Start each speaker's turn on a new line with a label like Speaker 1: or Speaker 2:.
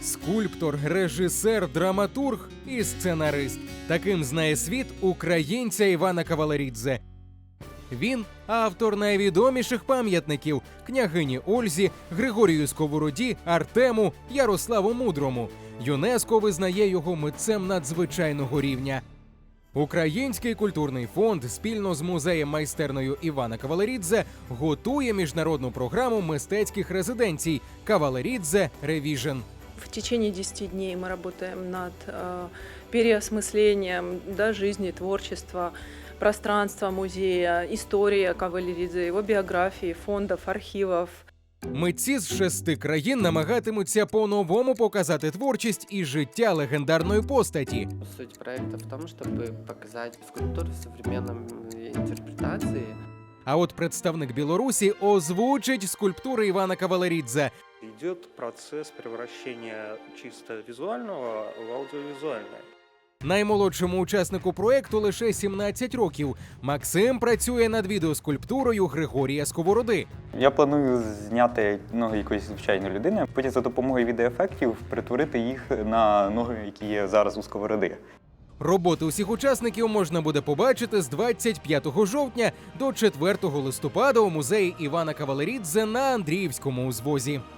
Speaker 1: скульптор, режисер, драматург і сценарист. Таким знає світ українця Івана Кавалерідзе. Він – автор найвідоміших пам'ятників княгині Ользі, Григорію Сковороді, Артему, Ярославу Мудрому. ЮНЕСКО визнає його митцем надзвичайного рівня. Український культурний фонд спільно з музеєм майстерною Івана Кавалерідзе готує міжнародну програму мистецьких резиденцій «Кавалерідзе Ревіжн».
Speaker 2: В течение 10 дней мы работаем над переосмыслением жизни, творчества, пространства музея, истории Кавалеридзе, его биографии, фондов, архивов.
Speaker 1: Митці з 6 країн намагатимуться по-новому показати творчість і життя легендарної постаті.
Speaker 3: Суть проекта в том, чтобы показать скульптуру в современной интерпретации.
Speaker 1: А от представник Білорусі озвучить скульптури Івана Кавалерідзе.
Speaker 4: Идет процесс превращения чисто визуального в аудиовизуальное.
Speaker 1: Наймолодшому учаснику проекту лише 17 років. Максим працює над відеоскульптурою Григорія Сковороди.
Speaker 5: Я планую зняти ноги якоїсь звичайної людини, потім за допомогою відеоефектів перетворити їх на ноги, які є зараз у Сковороди.
Speaker 1: Роботи усіх учасників можна буде побачити з 25 жовтня до 4 листопада у музеї Івана Кавалерідзе на Андріївському узвозі.